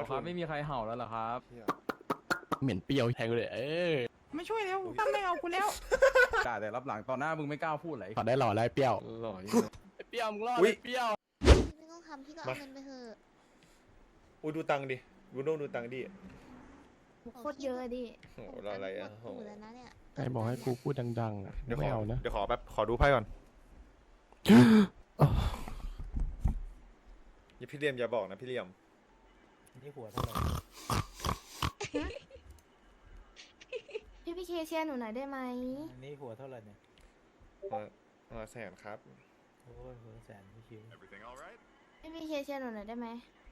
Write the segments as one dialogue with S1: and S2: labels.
S1: ครับไม่มีใครเห่าแล้วเหรอครับ
S2: เหม็นเปรี้ยวแทงเลย
S1: ไม่ช่วยแล้วตั้มไม่เอากูแล้วด่าแต่รับหลังตอนหน้ามึงไม่กล้าพูดเลย
S2: ขอได้หล่อได้เปรี้ยว
S1: หล่อ
S2: เปรี้ยวมึงรอด
S3: อุ๊
S2: เลย ยเปรี้ยว
S4: ไม่ต้องทำพี่ก็เอาเงินไปเถอะ
S3: อุ้ยดูตังค์ดิดูโน่ดูตังค์ดิ
S4: โคตรเยอะดิ
S3: โอ้โหเราอะไรอ่ะ
S4: หมดแล้วนะเนี่ย
S2: ใครบอกให้กูพูดดังๆอะ
S3: เดี๋ยวข
S2: ไม่
S3: อ
S2: เอานะ
S3: เดี๋ยวขอแป๊บขอดูไพ่ก่อนอย่าพี่เหลี่ยมอย่าบอกนะพี่เหลี่ยม
S5: นี่หัวเท่าไหร่
S4: พี่เคเชียร์หนูหน่อยได้ไหม
S5: อันนี้หัวเท่าไหร่เนี่ย
S3: มาแสนครับ
S5: โอ้ยหัวแสนพี่คิว
S4: พี่เคเชียร์หนูหน่อยได้ไหม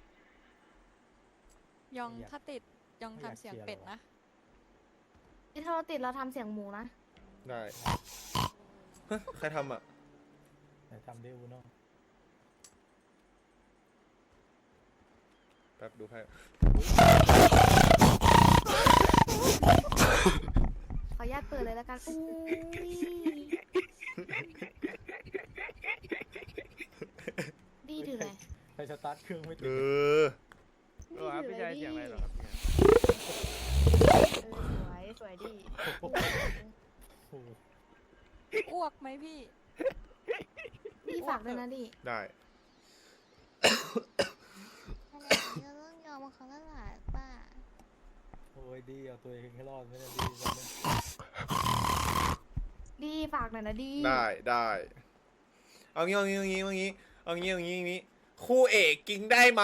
S6: ยองถ้าติดยองทำเสียงเป็ดนะ
S4: ที่ถ้าเราติดเราทำเสียงหมูนะ
S3: ได้ฮะใครทำอ่ะ
S5: ไหนทำได้อูโน่
S3: แป๊บดูไพ่
S4: ขออนุญาตเปิดเลยแล้วกันอุ้ยดีถือไหน
S5: ใครสตาร์ทเครื่องไม่ติ
S3: เอ
S5: ด
S3: อ
S1: ครับพี่ชายเสียงอะไรเหรอครับ
S4: สวยสวยดี
S5: โอ้โห
S6: อ้วกไหมพี่
S4: ดีฝากด้วยนะดิ
S3: ได้
S4: เราต้องยอมเขาแล้วล่ะป้า
S5: โอ้ยดีเอาตัวเองให้รอดไม่ได้ดี
S4: ดีฝากหน่อยนะดี
S3: ได้เอางี้คู่เอกกิงได้ไหม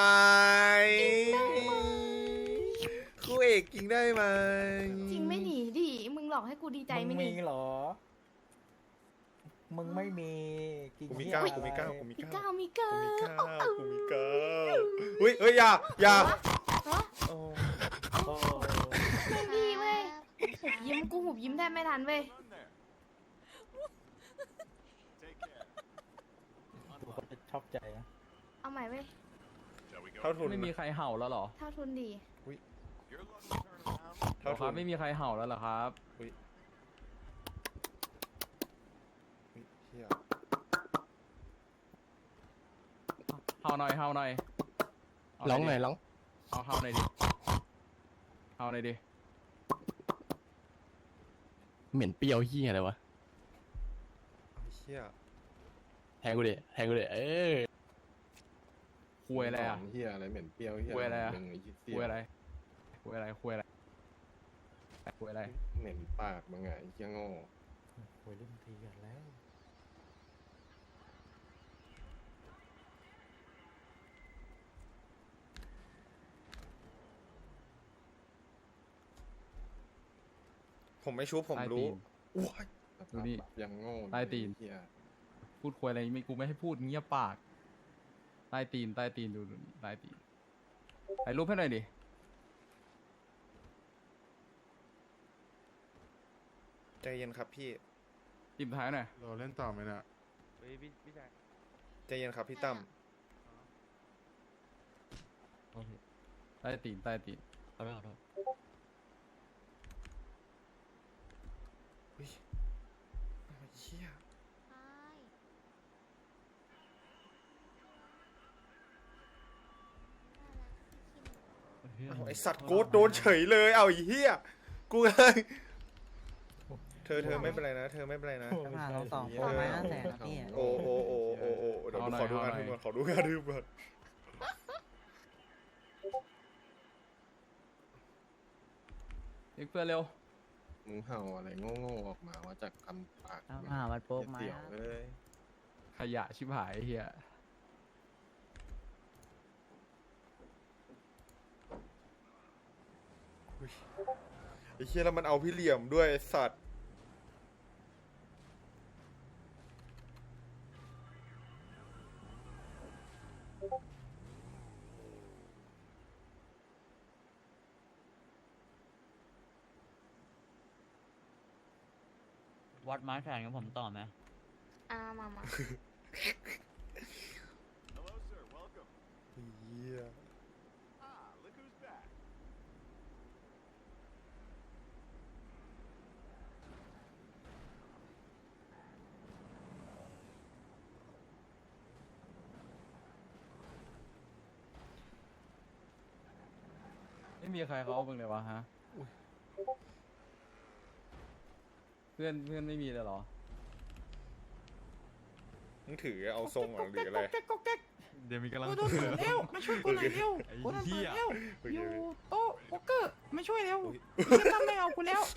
S3: คู่เอกกิงได้ไหม
S4: จริงไม่หนีดิมึงหลอกให้กูดีใจ
S5: มึ
S4: ไม่
S5: ง
S4: หนี
S5: มีเหรอ มึงไม่มีกิน
S3: กูมี
S5: เหี้ย
S3: เก้า
S5: อะไร
S3: กูมีเก้า
S4: มีเก้ามีเก้า
S3: อุ้ยเฮ้ยอย่า
S4: ฮะ
S3: โอ้
S5: โอ้
S4: ไม่ดีเว้ยหุบยิ้มกูหุบยิ้มแทบไม่ทันเว้ย
S5: ทุกคนจะชอบใจนะ
S4: เอาใหม่เว้ย
S3: เท่าทุน
S1: ไม่มีใครเห่าแล้วเหรอ
S4: เท่าทุนดี
S3: เท่า
S1: ค
S3: ทุ
S1: รับ
S3: น
S1: ไม่มีใครเห่าแล้วเหรอครับ
S3: เฮีย
S1: เห่าหน่อยเห่าหน่อย
S2: ร้องหน่อยร้อง
S1: เห่าหน่อยดิเห่าหน่อยดิ
S2: เหม็นเปรี้ยวเหี้ยอะไรวะ
S3: เฮีย
S2: แทงกูดิ
S1: คุยอะไรอ่ะ
S7: เฮียอะไรเหม็นเปรี้ยวเฮีย
S1: คุยอะไรอะ
S7: มึงไอ้เหี้ย
S1: คุยอะไรคุยอะไรคุยอะไรคุยอะไร
S7: เหม็นปากมึงไงไอ้เฮียโง่
S5: โอ้ยเล่นทีกันแล้ว
S3: ผมไม่ชุบผม
S1: ใต้
S3: รู้
S1: ตีน
S3: ว้าย
S1: ดูนี่
S7: ยังโง่
S1: ใต้ตีน
S7: เฮีย
S1: พูดคุยอะไรไม่กูไม่ให้พูดเงียบปากใต้ตีนใต้ตีนดูนี่ใต้ตีนถ่ายรูปให้หน่อยดิ
S3: ใจเย็นครับพี่
S1: จิบท้ายหน่อย
S7: เราเล่นต่อไหมเนี่ย
S3: ใจเย็นครับพี่ตั้ม
S1: ใต้ตีนใต้ตีน
S3: เฮ้ยเฮียเอาไอสัตว์โกดโดนเฉยเลยเอาไอ้เฮียกูเลยเธอไม่เป็นไรนะ เธอไม่เป็นไรนะ
S5: โอ้ไม่ใช่
S8: เราสองคนมา500,000นะพี่
S3: โอ้เดี๋ยวขอดูงานทึมก่อนขอดูงานทึมก่อน
S1: เรียกเพื่อนเร็ว
S7: มึงเห่าอะไรโง่ๆออกมาว่าจากคำปาก
S8: เอามันโป๊กมา
S7: เสี่ยวเลย
S1: ขยะชิบหายไอ้เฮีย
S3: ไอ้เฮียแล้วมันเอาพี่เหลี่ยมด้วยไอ้สัตว์
S8: วัดไม้แขนกับผมต่อไหม
S4: มา
S3: เฮีย
S1: ไม่มีใครเขาเอามึงเลยวะฮะเพื่อนไม่มีเลยเหรอ
S3: มึงถือเอาทรงเหรอหรืออะไร
S1: เดี๋ยวมีกำลัง
S9: โดนเปิดเร็วมาช่วยกูหน่อยเร็ว
S1: ไอ้
S9: โดนเปิ
S1: เหี้
S9: ด
S1: ย
S9: เร็ว
S3: เฮ้ย
S9: อยู่โต๊ะโป๊กเกอร์มาช่วยเร็ว
S3: อุ๊ย
S9: จะตั้งไม่เอากูแล้ว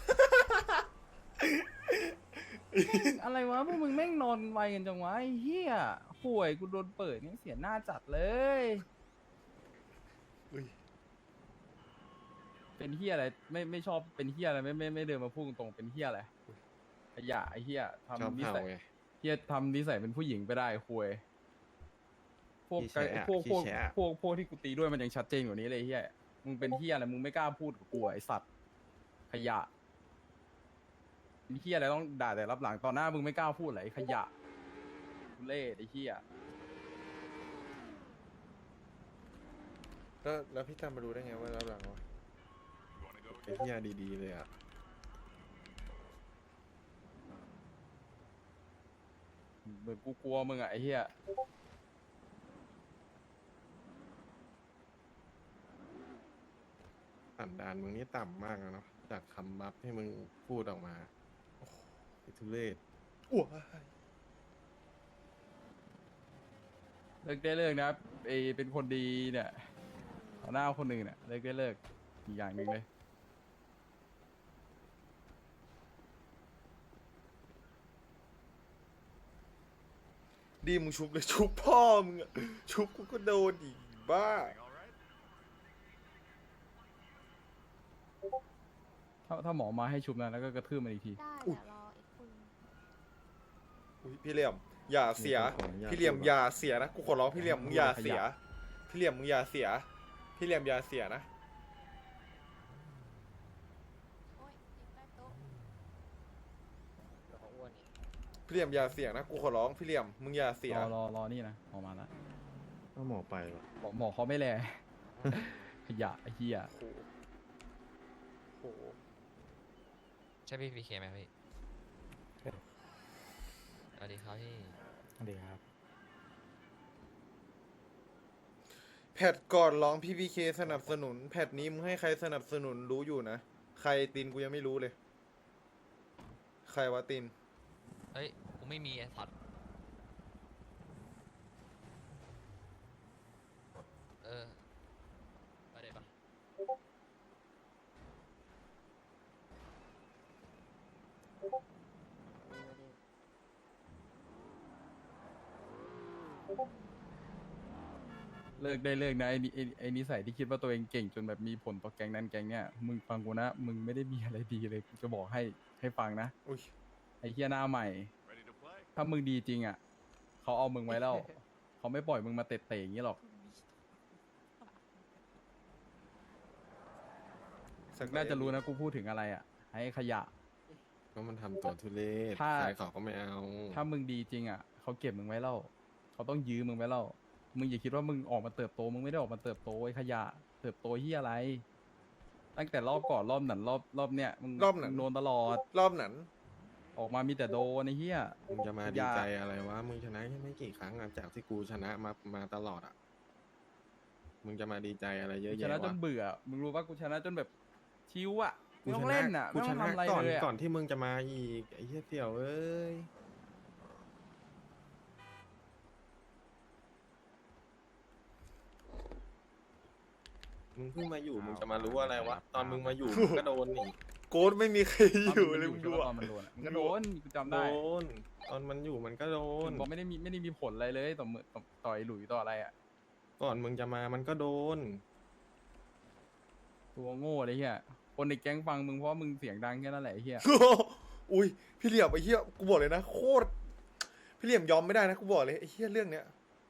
S1: อะไรวะพวกมึงแม่งนอนไวกันจังวะไอ้เหี้ยห่วยกูโดนเปิดนี่เสียหน้าจัดเลย
S3: อุ้ย
S1: เป็นเหี้ยอะไรไม่ชอบเป็นเหี้ยอะไรไม่เดินมาพูดตรงๆเป็นเหี้ยอะไรขยะไอ้เหี้ย
S7: ชอบ
S1: ทำนิ
S7: เห่า
S1: สัย
S7: ไง
S1: เหี้ยทำนิสัยเป็นผู้หญิงไปได้ห่วยพวก
S7: ขี้แฉะ
S1: พวก
S7: ขี้แฉะ
S1: พวกที่กูตีด้วยมันยังชัดเจนกว่านี้เลยไอ้เหี้ยมึงเป็นเหี้ยอะไรมึงไม่กล้าพูดกับกูอะไอสัตว์ขยะเป็นเหี้ยอะไรต้องด่าแต่รับหลังตอนหน้ามึงไม่กล้าพูดเหรอไอ้ขยะทุเล่ไอ้เหี้ย
S3: แล้วพี่ตามมาดูได้ไงว่ารับหลังวะ
S7: ไอ้เหี้ยดีๆเลยอ่ะ
S1: เหมือนกูกลัวมึงอะไอ้เหี้ย
S7: สันดานมึงนี่ต่ำมากนะเนาะจากคำบัฟที่มึงพูดออกมาโอ้โหไอ้ทุเรศ
S3: อ้ว
S1: เลิกได้เลิกนะไอเป็นคนดีเนี่ยต่อหน้าคนหนึ่งเนี่ยเลิกได้เลิกอีกอย่างหนึ่งเลย
S3: ดีมึงชุบเลยชุบพ่อมึงอะชุบกูก็โดนอีกบ้า
S1: ถ้าหมอมาให้ชุบนะแล้วก็กระทืบมันอีกที
S4: ได้เดี๋ยวรออีกคุณ
S3: อุ้ยพี่เหลี่ยมอย่าเสีย พี่เหลี่ยมอย่าเสียนะกูขอร้องพี่เหลี่ยมมึงอย่าเสีย พี่เหลี่ยมมึงอย่าเสีย พี่เหลี่ยมอย่าเสียนะ
S6: โอ๊ยติดใต้โต๊ะ
S3: พี่เหลี่ยมอย่าเสียนะกูขอร้องพี่เหลี่ยมมึงอย่าเสีย
S1: รอนี่นะออกมาแล้ว
S7: ก็หมอไปหรอ
S1: หมอเขาไม่แล ขยะไอ้เหี้ย
S3: โอ้โหโอ้โห
S10: ใช่พี่พีเคไหมพี่สวัสดีครับพี่
S5: สวัสดีครับ
S3: แพทก่อนร้องพี่พีเคสนับสนุน แพทนี้มึงให้ใครสนับสนุนรู้อยู่นะ ใครตินกูยังไม่รู้เลย ใครวะติน
S10: เฮ้ย กูไม่มีไอ้สัตว์ไปเดี๋ยวปะ
S1: เลิกได้เลิกนะไอ้นิสัยที่คิดว่าตัวเองเก่งจนแบบมีผลต่อแก๊งนั้นแก๊งเนี้ยมึงฟังกูนะมึงไม่ได้มีอะไรดีเลยกูจะบอกให้ฟังนะ
S3: อุ้ย
S1: ไอ้เฮียหน้าใหม่ ถ้ามึงดีจริงอ่ะ เขาเอามึงไว้แล้ว เขาไม่ปล่อยมึงมาเตะๆอย่างนี้หรอก น่าจะรู้นะกูพูดถึงอะไรอ่ะ ให้ขยะ
S7: ก็มันทำตัวทุเรศ
S1: ถ้า
S7: ใครเขาก็ไม่เอา
S1: ถ้ามึงดีจริงอ่ะ เขาเก็บมึงไว้แล้ว เขาต้องยื้อมึงไว้แล้ว มึงอย่าคิดว่ามึงออกมาเติบโต มึงไม่ได้ออกมาเติบโตไอ้ขยะ เติบโตเฮียอะไร ตั้งแต่รอบก่อนรอบนั้นรอบเนี้ยมึง
S3: รอบนั้น
S1: โดนตลอด
S3: รอบนั้น
S1: ออกมามีแต่โดนไอ้เฮีย
S7: มึงจะมาดีใจอะไรวะ มึงชนะแค่ไม่กี่ครั้งอะจากที่กูชนะมาตลอดอ่ะ มึงจะมาดีใจอะไรเยอะ
S1: ช
S7: แยะ
S1: นะจ
S7: วะ
S1: นเบื่อ มึงรู้ป่ะกูชนะจนแบบชิวอ่ะ
S7: กู
S1: ไม่ต้
S7: ช
S1: อง
S7: นะ
S1: เล่นอ่ะ
S7: กู
S1: ไม่
S7: ช
S1: ต้อง
S7: นะ
S1: ทำอะไร
S7: ก่อน
S1: เลยอ่ะ
S7: ก่อนที่มึงจะมาอีกไอ้เหี้ยเสี่ยวเอ้ย มึงเพิ่งมาอยู่ มึงจะมารู้อะไรวะ ตอนมึงมาอยู่มึงก็โดนนี่
S3: โกดไม่มีใครอยู่เลย
S1: ต
S3: มึ
S1: น
S3: ง
S1: มัน
S3: ดู
S1: อยู่
S3: อะ
S1: ตอนมันโดนอะมันก็โดนกูจำ
S7: โด
S1: ได้
S7: น ตอนมันอยู่มันก็โดน
S1: บอกไม่ได้มีผลอะไรเลยต่อไอ้หลุยต่ออะไรอ่ะ
S7: ก่อนมึงจะมามันก็โดน
S1: ตัวโง่เลยเฮียคนในแก๊งฟังมึงเพราะว่ามึงเสียงดังแค่นั้นแหละไอ้เฮีย
S3: อุ้ยพี่เหลี่ยมไอ้เหี้ยกูบอกเลยนะโคตรพี่เหลี่ยมยอมไม่ได้นะกูบอกเลยไอ้เหี้ยเรื่องเนี้ย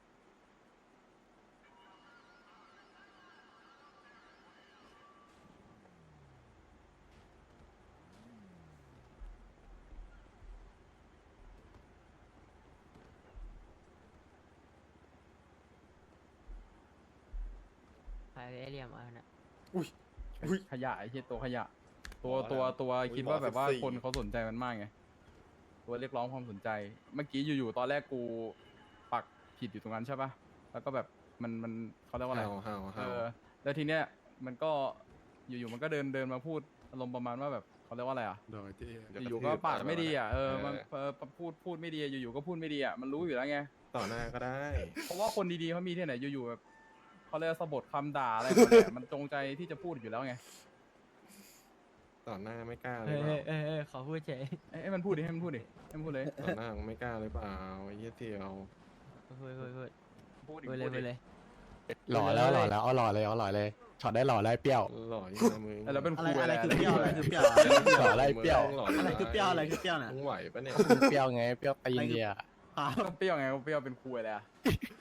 S8: ใครไอเรียมเอานะ
S3: อุ้ยอุ้ย
S1: ขยะไอ้เฮียตัวขยะ ตัว
S3: หมอ
S1: ตัว
S3: แล้ว
S1: ตัว
S3: อุ๊ย
S1: คิดว่า
S3: หมอ
S1: แบบว่า
S3: 14
S1: คนเขาสนใจมันมากไงตัวเรียกร้องความสนใจ เมื่อกี้อยู่ๆตอนแรกกูปักผิดอยู่ตรงนั้นใช่ปะแล้วก็แบบมันเขาเรียกว่าอะไร
S7: เห่า
S1: เออแล้วทีเนี้ยมันก็อยู่ๆมันก็เดินมาพูดอารมณ์ประมาณว่าแบบเขาเรียกว่าอะไรอ่ะ
S7: เดี๋ยว
S1: อยู่ๆก็ปากไม่ดีอ่ะมันพูดไม่ดีอยู่ๆก็พูดไม่ดีอ่ะมันรู้อยู่แล้วไง
S7: ต่อหน้าก็ได้
S1: เพราะว่าคนดีๆเขามีที่ไหนอยู่ๆแบบเขาเรียกว่าสะบดคำด่าอะไรมาเนี่ยมันจงใจที่จะพูดอยู่แล้วไง
S7: ต่อหน้าไม่กล้าเล
S8: เฮ้
S7: ย
S8: ย
S7: เปล่า
S8: เฮ้ยขอพูดเฉย
S1: ให้มันพูดดิให้มันพูดเลย
S7: ต่อหน้ามึงไม่กล้าเลยเปล่าไอ้เหี้ยเที่ยว
S8: พูด
S1: พูดดิ
S8: พูดเลย
S1: พูด
S8: พู
S1: ดิ
S8: ดเลย
S2: หล่อแล้วเอาหล่อเลยช็อตได้หล่อได้เปรี้ยว
S7: หล่ออยู่นะมึง
S1: แล้วเป็นครู
S5: อะไรคือเปรี้ยวอะไรคือเปรี้ยว
S2: หล่อได้เปรี้ยว
S7: หล่
S5: อะไรคือเปรี้ยวอะไรคือเปรี้ยวน่ะ
S7: มึงไหวปะเนี่ย
S2: เปรี้ยวไงเปรี้ยวตีนเดีย
S1: ก็เปรี้ยวไงก็เปรี้ยวเป็นครูอะไรอ่ะ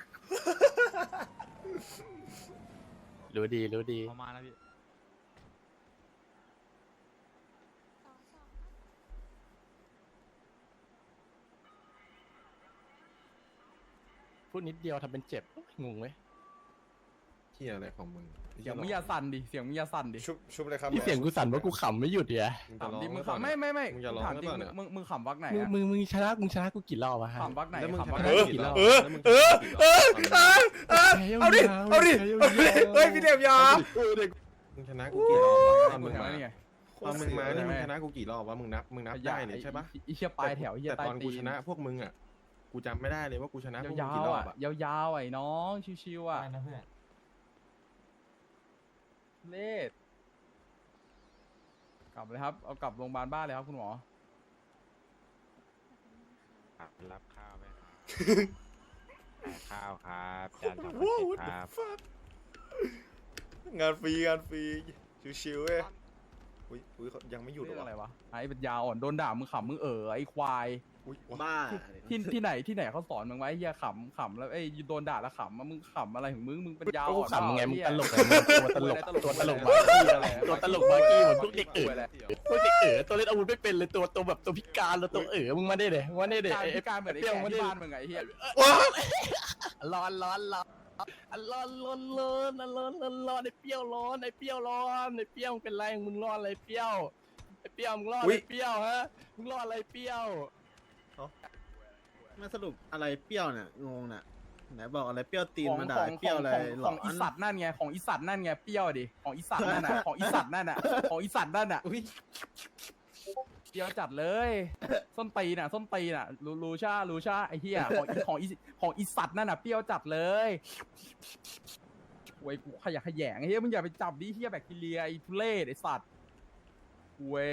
S2: รู้ดี
S10: ประมาณแล้วพี่
S2: พูดนิดเดียวทำเป็นเจ็บงงไหม
S7: เที่ยอะไรของมึง
S1: เสียงมึงอย่าสั่นดิเสียงมึงอย่าสั่นดิ
S3: ชุบเลยครับ
S2: นี่เสียงกูสั่นว่ากูขำไม่หยุดเดีย
S7: มึง
S1: ถา
S7: จะ
S1: ม
S7: ร้อง
S1: ดิมึง
S7: หรือเปล่า
S1: ขำไม่
S7: มึงจะร้อง
S1: ถาม
S7: หรือ
S1: จริ
S7: เป
S1: ง
S7: ล่าเนี่ย
S1: มึงขำวักไหน
S2: มึงชนะกูกี่รอบวะฮะ
S1: ขำวักไหน
S7: แล้วมึง
S1: ขำวัก
S7: ช
S1: ไหน
S7: นะกี่รอบแล้วมึงชนะกี่รอบ
S3: เอาดิเฮ้ยพี่เหลี่ยมยอม
S7: มึงชนะกูกี่รอบตอนมึงมา
S1: นี่ไง
S7: ตอนมึงมานี่มึงชนะกูกี่รอบวะมึงนับได้เลยใช่ปะ
S1: ไอ้เหี้ยปลายแถวไอ้เหี้ย
S7: แต่
S1: ใต้
S7: ตอน
S1: ตี
S7: กูชนะพวกมึงอ่ะกูจำไม่ได้เลยว่ากูชนะพวกมึง
S1: ยาว
S7: กี่ร
S1: ๆ
S7: อบ
S1: อ่ะ
S7: อ่ะ
S1: ยาวๆไอ้น้องชิวๆอ่ะ
S8: นะเพื่อน
S1: เลดกลับเลยครับเอากลับโรงพยาบาลบ้านเลยครับคุณหมอ
S10: รับข้าวไหมข้าวครับจานสอง
S3: ว้าว
S10: ครับ
S3: งานฟรีชิวๆเว้ยอุ้ยเขายังไม่หยุดเหร
S1: เรื่อง
S3: อ
S1: อะไร
S3: วะ
S1: วะไอ้เป็นยาอ่อนโดนด่ามึงขำมึงไอ้ควาย
S3: อุ้ย
S5: บ้า
S1: ที่ไหนเขาสอนมึงไว้ไอ้เหี้ยขำแล้วไอ้โดนด่าแล้วขำมึงขำอะไรของมึงเป็นยา
S2: กู
S1: อ่อน
S2: ขำไงมึงตลก
S1: ไง
S2: ไงตัวตลกมากี้อะไรตัวตลกมากี้เหมือนพวกเด็กเอ๋ตัวเล่นอาวุธไม่เป็นเลยตัวแบบตัวพิการแล้วตัวมึงมาได้เลยไอ้
S1: การเหมือนไอ้แก่ที่บ้านมึงไงไอ้เหี้ย
S2: ร้อนไอ้เปรี้ยวร้อนไอ้เปรี้ยวเป็นไรมึงร้อนอะไรเปรี้ยวมึงร้อนอะไรเปรี้ยวฮะมึงร้อนอะไรเปรี้ยว
S5: มาสรุปอะไรเปรี้ยวเนี่ยงงน่ะไหนบอกอะไรเปรี้ยวตีนมาด่า
S1: ของ
S5: เปรี้ยวอะไรหล
S1: ข
S5: อ
S1: องอีสัตว์นั่นไงของอีสัตว์นั่นไงเปรี้ยวดิของอีสัตว์นั่นน่ะของอีสัตว์นั่นน่ะเปรี้ยวจัดเลยส้นตีนน่ะรู้ชาไอ้เหี้ยของอีสัตว์นั่นน่ะเปรี้ยวจัดเลยเว้ยกูขยะแขยงไอ้เหี้ยมึงอย่าไปจับดิเหี้ยแบคทีเรียไอ้ทุเรศไอ้สัตว์เว้ย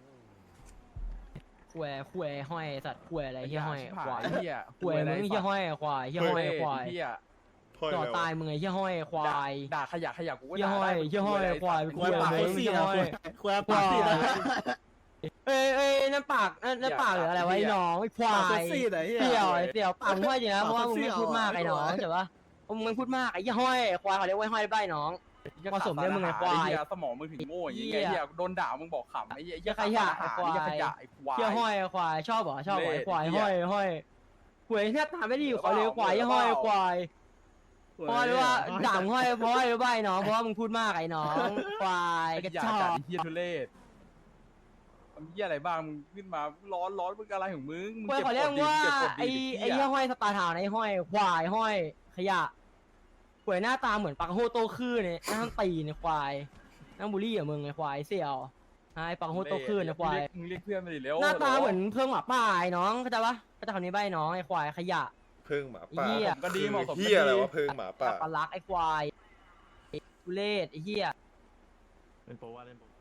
S8: ขวห้อยสัตว์ขวอะไรเฮียห้อยควาย
S1: เหี้ย
S8: ขวมึงเฮียห้อยควายเฮียห้อยควาย
S1: เหี้ย
S8: ต่อตายมึงไงเฮียห้อยควาย
S1: ด่าขยะกูก็
S8: เฮีย
S1: ด่า
S8: ห้อย
S1: ได้
S8: เฮียห้อยควาย
S5: ควายปาก
S8: มึง
S5: ซี่
S8: เฮีย
S5: นะ
S8: ห้อย
S5: ควายปากซี่นะ
S8: เอ้ยนั่นปากนั่นปากหรืออะไรวะไอ้น้องไอ้ควา
S5: ปาก
S8: ย
S5: ซี่ไหนเฮีย
S8: เสี่ยวปากห้อยจริงนะเพราะว่ามึงไม่พูดมากไอ้น้องใช่ปะมึงไม่พูดมากไอ้เฮียห้อยควายเขาเรียกว่าห้อยได้น้อง ผสมด้วยมึงไงควาย
S1: ไอ้เหี้ยสมองมึงถึงโง่อย่างงี้ไงเหี้ยโดนด่ามึงบอกขำไอ้เหี้ย
S8: ขยะ
S1: ไอ้
S8: ควาย
S1: ขยะไอ้ควาย
S8: เฮียห้อยควายชอบเหรอไอ้ควายห้อยหวยหน้าตาไม่ดีเขาเลยควายห้อยควายเพราะว่าด่ามึงห้อยเพราะอะไรรู้ป่ะไอ้น้องเพราะว่ามึงพูดมากไอ้น้องควายกระ
S1: ขยะ
S8: จอ
S1: จัด
S8: ก
S1: ไอ้เหี้ยทุเรศทำเหี้ยอะไรบ้างมึงขึ้นมาร้อนมึงอะไรของมึง
S8: ควายเขาเรียกว่าไอ้เหี้ยห้อยสตาร์ทาวน์ไอ้ห้อยควายห้อยขยะหวยหน้าตาเหมือนปักโฮโตคือเนี่ยนั่งตีเนี่ยควายนั่งบูลลี่อ่ะมึงไอ้ควายเสี่ยวไอ้ปักโฮโตคือเนี่ยควาย
S1: มึงเรียกเพื่อนมาดิเร็ว
S8: หน้าตาเหมือนเพิ่งหมาป่าไอ้น้องเข้าใจปะเข้าใจคำนี้ป่ะไอ้น้องไอ้ควายขยะ
S3: เพิ่งหมาป่า
S8: เหี้ย
S1: ก็ดีเหมาะสม
S3: เฮียอะไรวะเพิ่งหมาป่า
S8: ปลาลักไอ้ควายทุเรศไอ้เหี้ย
S10: เป็นโปว่าเล่นโป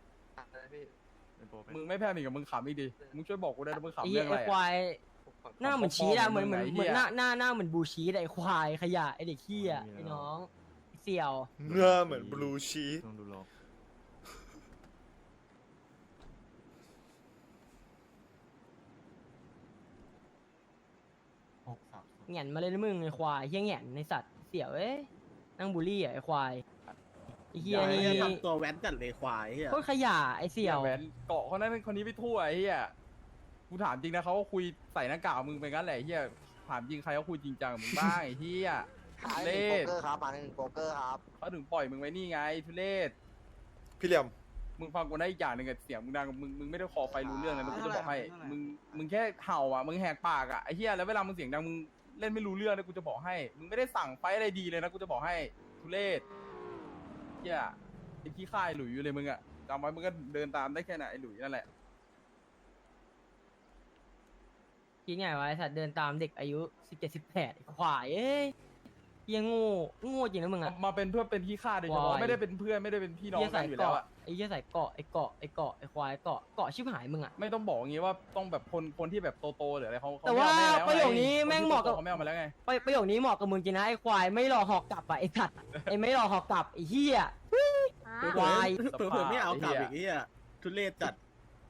S1: มึงไม่แพ้มีกับมึงขำอีกดิมึงช่วยบอกกูได้นะมึง
S8: ไอ้
S1: ขำ
S8: เหี้
S1: เรื่
S8: ย
S1: องอะ
S8: ไอ้
S1: ไร
S8: ควายหน้าเหมือนชีสอะเหมือน
S1: ไอ้
S8: ห
S1: เหี้ย
S8: น้าเหมือนบูชีสไอ้ควายขยะไอ้เด็กขี้อะไอ้น้องไอ้เสี่ยว
S3: เนื้อเหมือนบลูชีส
S10: ต้องดูโล
S8: แหง่นมาเลยนะมึงไอ้ควายเหี้ยแหง่นในสัตว์เสี่ยวเอ้ยนั่งบูลลี่อะไอ้ควายไอ้เหี้ยนี่
S5: ทำตัวแว้นจัดเลยควายเฮีย
S8: โคตรขยะไอ้เสี่ยว
S1: แหวนเกาะคนนั้นคนนี้ไปทั่วไอ้เหี้ยกูถามจริงนะเขาก็คุยใส่หน้ากากมึงไปงั้นแหละไอ้เหี้ยถามจริงใครเขาคุยจริงจังกับมึงบ้างไอ้เหี้ยทุเรศ
S5: มาหนึ่งโป๊กเกอร์ครับ
S1: เขาถึงปล่อยมึงไว้นี่ไงทุเรศ
S3: พี่เหลี่ยม
S1: มึงฟังกูได้อีกอย่างหนึ่งอะเสียงมึงดังมึงไม่ได้คอไฟรู้เรื่องนะกูจะบอกให้มึงแค่เห่าอ่ะมึงแหกปากอ่ะไอ้เหี้ยแล้วเวลามึงเสียงดังมึงเล่นไม่รู้เรื่องนะกูจะบอกให้มึงไม่ได้สั่งไฟอะไรดีเลยนะกูจะบอกให้ทุเรศเหี้ยไอ้ขี้ค่ายหลุยอยู่เลยมึงอะจำไว้มึงก็เดินตามได้แค่ไหนไอ้หลุยนั่นแหละ
S8: คิดไงวะไอ้สัตว์เดินตามเด็กอายุ17-18ไอ้ควายเอ้ยเหี้ยังโง่จริงนะมึงอะ
S1: มาเป็นเพื่อนเป็นขี้ข้าโดยเฉพาะ
S8: วาย
S1: ไม่ได้เป็นเพื่อนไม่ได้เป็นพี่น้อง
S8: เหี้ย
S1: กั
S8: ใส่
S1: นอยู่แล้ว
S8: เกาะ
S1: อะ
S8: ไอ้เหี้ยใส่เกาะไอ้ควายเกาะชิบหายมึงอะ
S1: ไม่ต้องบอกอย่างงี้ว่าต้องแบบคนที่แบบโตๆหรืออะไรเขา
S8: แต่ว่า
S1: ไม่เอแม่แล้ว
S8: ประโยคนี้
S1: ไ
S8: แม่งเหมาะกับ
S1: เขาไม่เอามาแล้วไง
S8: ประโยคนี้เหมาะกับมึงจริงนะไอ้ควายไม่รอหอกกลับอะไอ้สัตว์ไอ้ไม่รอหอกกลับไอ้เหี้ยควาย
S1: เผื่อไม่เอากลับอีก
S2: ทุเรศจัด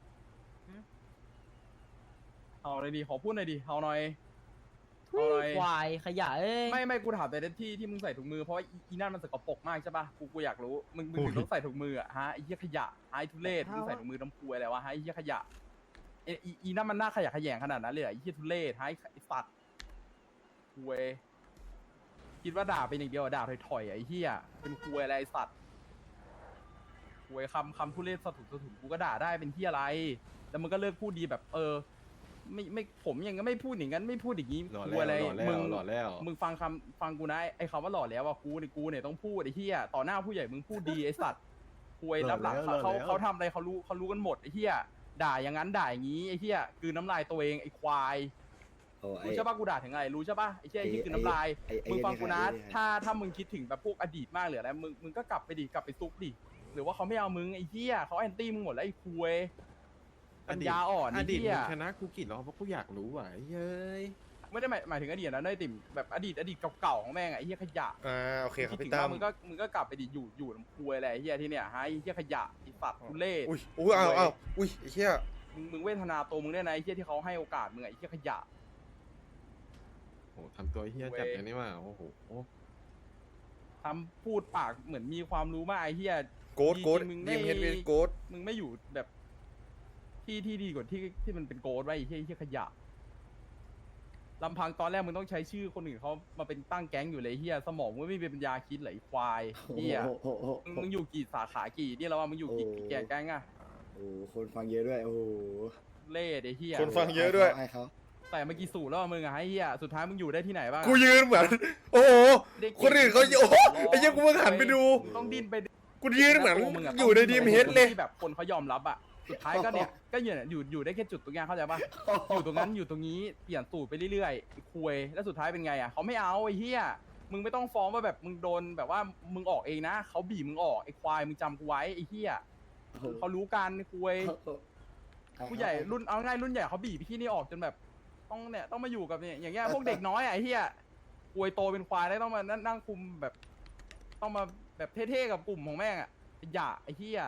S1: เอาเลยดิขอพูดหน่อยดิเอาหน่อยเอาหน่อย
S8: ควายขยะเอ้ย
S1: ไม่กูถามแต่ที่มึงใส่ถุงมือเพราะว่าอีนั่นมันสกปรกมากใช่ป่ะกูอยากรู้มึงถึงต้องใส่ถุงมืออะฮะไอ้เหี้ยขยะไอ้ทุเรศมึงใส่ถุงมือน้ำพุอะไรวะฮะไอ้เหี้ยขยะอีนั่นมันน่าขยะแขยงขนาดนั้นเลยเหรอไอ้เหี้ยทุเรศไอ้สัตว์คุยคิดว่าด่าเป็นอย่างเดียวอะด่าถอยๆอะไอ้เหี้ยเป็นคุยอะไรไอ้สัตว์คุยคำทุเรศสะถุนกูก็ด่าได้เป็นเหี้ยอะไรแล้วมึงก็เลิกพูดดีแบบไม่ผมยังก็ไม่พูดอย่างนั้นไม่พูดอย่างนี้
S7: หล่อ
S1: กู
S7: แล้ว
S1: อะไร
S7: หล่อแล้ว
S1: มึง
S7: หล่อแล้ว
S1: มึงฟังกูนะไอ้คำว่าหล่อแล้วว่ากูเนี่ยต้องพูดไอ้เหี้ยต่อหน้าผู้ใหญ่มึงพูดดีไอ้สัตว์คุยรับหลังเขาทำอะไรเขารู้กันหมดไอ้เหี้ยด่าอย่างนั้นด่าอย่างนี้ไอ้เหี้ยคือน้ำลายตัวเองไอ้ควายรู้ใช่ปะกูด่าถึงอะไรรู้ใช่ปะไอ้เหี้ยไอ้คือน้ำลายมึงฟังกูนะถ้ามึงคิดถึงแบบพวกอดีตมากหรืออะไรมึงก็กลับไปดิกลับไปซุกดิหรือว่าเขาไม่เอามึงไอ้เหี้ยเขาแอนตี้มึงหมดแล้วไอ้คุยปัญญาอ่อน
S7: อ
S1: ไอ้
S7: ดีต
S1: เหี้ย
S7: มึงชนะกูกี่รอบเพราะกูอยากรู้ว่ะเย้ย
S1: ไม่ได้หมายถึงอดีตนะได้ติ่มแบบอดีตเก่าๆของแม่งอะไอ้เหี้ยขยะ
S3: โอเคครับ
S1: ดถึ
S3: พี่
S1: ง
S3: ตั้
S1: ว่าม มึงก็กลับไปดิอยู่ลำพูอะไรไอ้เหี้ยที่เนี่ยฮะไอ้เหี้ยขยะไอ้สัตว์ทุเรศ
S3: อุ้ยเอาอุ้ยไอ้เหี้ย
S1: มึงเวทนาตัวมึงได้นะไอ้เหี้ยที่เขาให้โอกาสมึงอะไอ้เหี้ยขยะ
S7: โอ้ทำตัวเฮี้ยจัดอย่างนี้ว่ะโอ้โห
S1: ทำพูดปากเหมือนมีความรู้มากไอ้เหี้ย
S3: โกด
S1: มึง
S3: ดีมเฮดเวโกด
S1: มึงไม่อยู่แบบที่ดีกว่าที่มันเป็นโกดไว้ไอ้เหี้ยขยะลำพังตอนแรกมึงต้องใช้ชื่อคนอื่นเขามาเป็นตั้งแก๊งอยู่เลยเฮียสมองมึงไม่มีปัญญาคิดเลยไอ้ควายเฮียมึงอยู่กี่สาขากี่นี่แล้วว่ามึงอยู่กี่แก๊งอะ
S11: โอ้คนฟังเยอะด้วย โอ้โห
S1: เล่ไอ้เฮีย
S3: คนฟังเยอะด้วย
S11: ไอ้เขา
S1: แต่เมื่อกี้สูตรแล้วมึงอะไอ้เฮียสุดท้ายมึงอยู่ได้ที่ไหนบ้างอะ
S3: กูยืนเหมือน โอ้โห คนอื่นเขาโอ้โหไอ้เหี้ยกูเพิ่งหันไปดู
S1: ต้องดิ้นไป
S3: กูยืนเหมือน
S1: มึงะ
S3: อยู่ในดีมเฮดเลย
S1: ที่แบบคนเขายอมรับอะสุดท้ายก็เนี่ยก็อยู่ได้แค่จุดตรงนี้เข้าใจปะอยู่ตรงนั้นอยู่ตรงนี้เปลี่ยนสูตรไปเรื่อยๆไอ้คุยแล้วสุดท้ายเป็นไงอะเขาไม่เอาไอ้เฮียมึงไม่ต้องฟ้องว่าแบบมึงโดนแบบว่ามึงออกเองนะเขาบีบมึงออกไอ้ควายมึงจำกูไว้ไอ้เฮียเขารู้กันไอ้คุยผู้ใหญ่รุ่นเอาง่ายรุ่นใหญ่เขาบีบพี่นี่ออกจนแบบต้องมาอยู่กับเนี่ยอย่างเงี้ยพวกเด็กน้อยอะไอ้เฮียคุยโตเป็นควายแล้วต้องมานั่งคุมแบบต้องมาแบบเท่ๆกับกลุ่มของแม่งอะอย่าไอ้เฮีย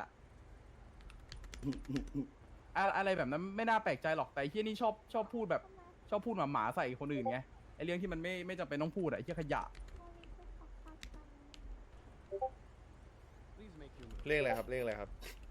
S1: อะไรแบบนั้นไม่น่าแปลกใจหรอกแต่ไอ้เฮียนี่ชอบพูดแบบชอบพูดหมาใส่คนอื่นไงไอ้เรื่องที่มันไม่จำเป็นต้องพูดอะไอ้เฮียขยะ
S3: เลขอะไรครับ เลขอะไรครับ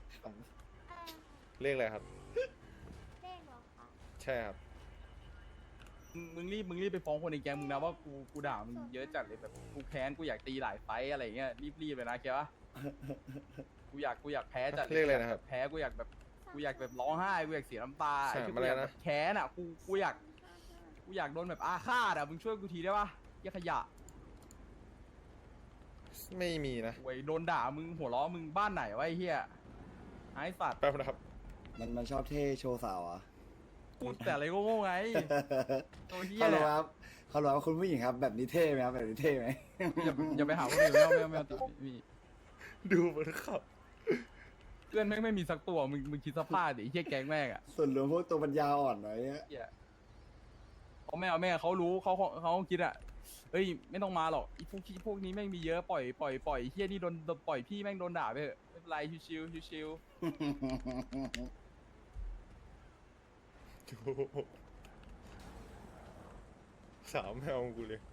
S3: เลขอะไรครับ
S6: เลขเหรอคะ
S3: ใช่ครับ
S1: มึงรีบไปฟ้องคนในแก๊งมึงนะว่ากูด่ามึงเยอะจัดเลยแบบกูแค้นกูอยากตีหลายไฟต์อะไรเงี้ยรีบเลยนะแกวะกูอยากแพ้จัด
S3: เรียกอะไรนะครับ
S1: แพ้กูอยากแบบร้องไห้กูอยากเสียน้ำตา
S3: ใช่
S1: ไอ้ที่
S3: มา
S1: กู
S3: แล้
S1: อ
S3: วย
S1: าก
S3: นะ
S1: แบบแค้นอ่ะกูอยากโดนแบบอาฆาตอ่ะมึงช่วยกูทีได้ปะเหี้ยขยะ
S3: ไม่มีนะ
S1: โวยโดนด่ามึงหัวล้อมึงบ้านไหนวะไอ้เหี้ยไอ้สัตว์
S3: แป๊บนะครับ
S11: มันชอบเท่โชว์สาวอ่ะ
S1: พูดแต่อะไรก็โง่ไงตัวเหี้ย
S11: ฮัลโหล
S1: เนี่ย
S11: ครับฮัลโหลครับคุณผู้หญิงครับ แบบนี้เท่ไหมครับ แบบนี้เท่ไหม
S1: อย่าไปหาคนอื่นไม่เอาติดมี
S3: ดูมันขับ
S1: เพื่อนไม่มีสักตัวมึงคิดสภาพดิไอ้เหี้ยแก๊งแม่งอ่ะ
S11: ส่วนรวมพวกตัวปัญญาอ่อนหน่อยอะ
S1: เหี้ยเขาไม่เอาแม่เขารู้เขาคิดอ่ะเฮ้ยไม่ต้องมาหรอกไอ้พวกนี้แม่งมีเยอะปล่อยเหี้ยนี่โดนปล่อยพี่แม่งโดนด่าไปเถอะไม่เป็นไรชิว
S3: สาวแมวกูเลย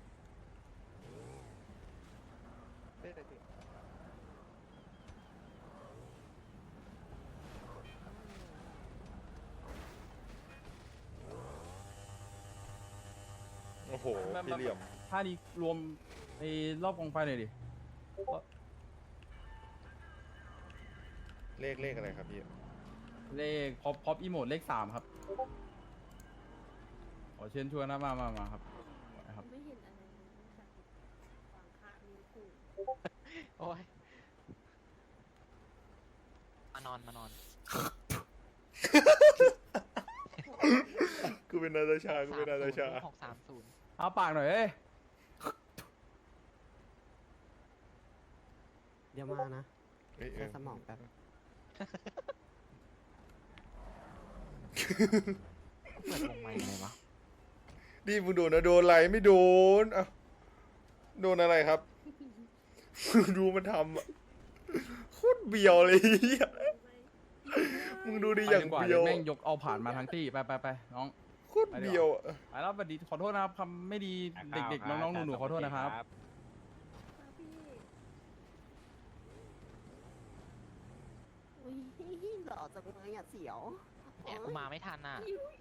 S3: โอ้โห พี่เหลี่ยม
S1: ท่านี้รวมไอ้รอบกองไฟหน่อยดิ
S3: เลขอะไรครับพี่
S1: เลขพอปอีโมดเลข3ครับขอเชิญชวนนะมาครับครับ
S6: ไม่เห็นอะไรเลยจากฝั่งข้างนี้ถูก
S2: โอ้ย
S8: นอน
S3: กูเป็นนาตาชา กูเป็นนาตาชา
S8: 630
S1: เอาปากหน่อยเอ้ย
S5: เดี๋ยวมานะ
S3: เอ้ย
S5: ใช้สมองแป๊บ
S8: เปิดวงไมค์เลยวะ
S3: นี่มึงโดนนะโดนอะไรไม่โดนอ่ะโดนอะไรครับ ดูมันทำอะโคตรเบียวเลยเหี้ยมึงดูดิอย่าง
S1: ไปกว่า
S3: เบี
S1: เดี๋
S3: ย
S1: ยว วแม่งยกเอาผ่านมาทั้งที่ไปน้อง
S3: โคตรเบียวอะ
S1: ไปแล้วสวัสดีขอโทษนะครับคำไม่ดีเด็กๆน้องๆหนูๆขอโทษนะครับ
S5: อุ้ยหล่อจังเลยอ่ะเสียว
S8: เนี่ยกูมาไม่ทันอ่ะ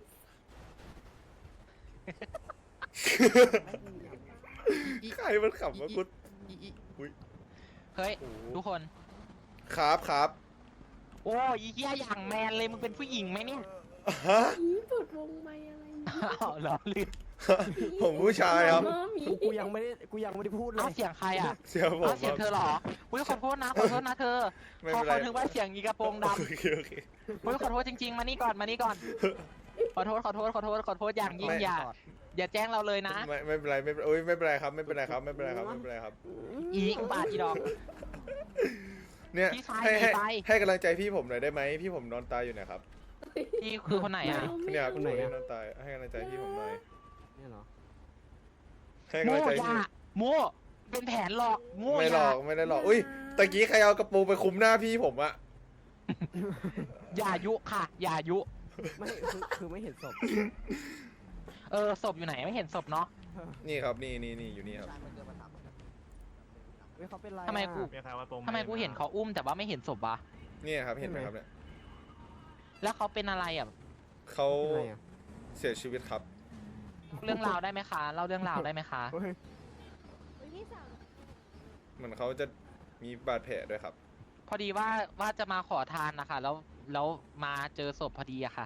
S3: ใครมันขำวะกู
S8: เฮ้ย ทุกคน
S3: ครับครับ
S8: โอ้ยเฮียอย่างแมนเลยมึงเป็นผู้หญิงไหมเนี่ย
S3: ฮะ
S6: เปิดวงไม่อะไร
S8: อ้าวเหรอลืม
S3: ผมผู้ชายครับ
S5: กูยังไม่ได้พูดเล
S8: เอา
S5: ย
S8: เสียงใครอ่ะ
S3: เสียผม
S8: เอาเสียงเธอเหรออุ้ยขอโทษนะเธอ
S3: ไม่
S8: ขอ
S3: เป็นไร
S8: ถึงว่าเสียงยีกระโปรงด
S3: โอเคโอเค
S8: ำอุ้ยขอโทษจริงๆมานี่ก่อนขอโทษอย่างยิ่งอย่าแจ้งเราเลยนะ
S3: ไม่เป็นไรไม่เป็นโอ้ยไม่เป็นไรครับไม่เป็นไรครับไม่เป็นไรครับไม่เป็นไรครับ
S8: อีอุบาทอีดอก
S3: เนี่ย
S8: พี่ชาย
S3: ให้
S8: หนีไป
S3: ให้กำลังใจพี่ผมหน่อยได้ไหมพี่ผมนอนตายอยู่เนะครับ
S8: นี่คือคนไหนอ่ะ
S3: เนี่ยครับคนนี้นอนตายให้กำลังใจพี่ผมหน่อย
S5: เนี่ยเหรอ
S3: ให้
S8: โม่
S3: กำลังใจ
S8: อย่า
S3: พี่
S8: โม่เป็นแผนหลอกโม่
S3: ไม่
S8: อ
S3: หล
S8: ย่า
S3: อกไม่ได้หลอกอุ้ยตะกี้ใครเอากระปูไปคุมหน้าพี่ผมอะ
S8: อย่ายุค่ะ อย่ายุ
S5: ไม่คือไม่เห็นศพ
S8: ศพอยู่ไหนไม่เห็นศพเนาะ
S3: นี่ครับนี่อยู่นี่ครับ
S5: เฮ้ยเขาเป็นไร
S8: ทำไมกู
S10: มีใครว่าตรง
S8: ทำไมกูเห็นเขาอุ้มแต่ว่าไม่เห็นศพวะ
S3: นี่ครับเห็นไหมครับเนี่ย
S8: แล้วเขาเป็นอะไรอ่ะ
S3: เขา
S5: เป็นไรอ่ะ
S3: เสียชีวิตครับ
S8: เรื่องราวได้ไหมคะเล่าเรื่องราวได้ไหมคะ
S5: เฮ้ย
S6: พี่สาว
S3: เหมือนเขาจะมีบาดแผลด้วยครับ
S8: พอดีว่าจะมาขอทานนะคะแล้วมาเจอศพพอดีอะค่ะ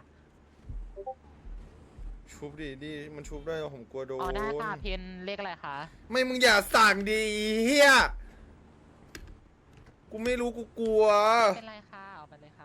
S3: ชุบดิมันชุบได้ผมกลัวโดน
S8: อ๋อได้ค่ะเพนเลขอะไรคะ
S3: ไม่มึงอย่าสั่งดีเฮียกูไม่รู้กูกลัว
S8: ไม่เป็นไรค่ะเอาไปเลยค่ะ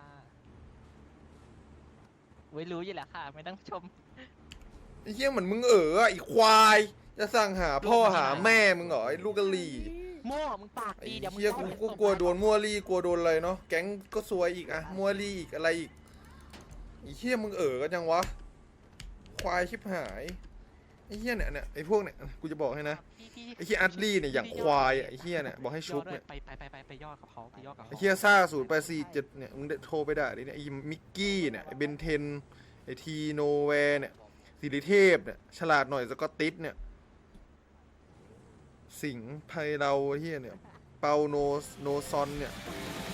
S8: ไว้รู้อยู่แหละค่ะ ไม่ต้องชม
S3: ไอ้เฮียเหมือนมึงอะไอ้ควาย จะสั่งหาพ่อหาแม่มึงเหรอไอ้ลูกกะหรี่
S8: โม่มึงปาก
S3: ไอ้
S8: ดีเดี๋ยวมึง
S3: เฮีย
S8: ต้อง
S3: กูกลัวโดนมัวรี่กลัวโดนอะไรเนาะแก๊งก็ซวยอีกอะมัวรี่อีกอะไรอีกไอ้เฮียมึงกันยังวะควายชิบหายไอ้เฮียเนี่ยไอ้พวกเนี่ยกูจะบอกให้นะ
S8: พี่
S3: ไอ้เฮียอัดลี่เนี่ยอย่างควายอะไอ้เฮียเนี่ยบอกให้ชุบ
S8: ด้ว
S3: เนี่ย
S8: ไปยอดกับเขาไปยอดกับ
S3: ไอ้
S8: เขา
S3: เฮียซ่า0847เนี่ยมึงโทรไปด่าดิเนี่ยไอ้มิกกี้เนี่ยไอ้เบนเทนไอ้ทีโนแวร์เนี่ยสิริเทพเนี่ยฉลาดหน่อยสกอตติสเนี่ยสิงห์ไพเราเฮียเนี่ยเปาโนซอนเนี่ย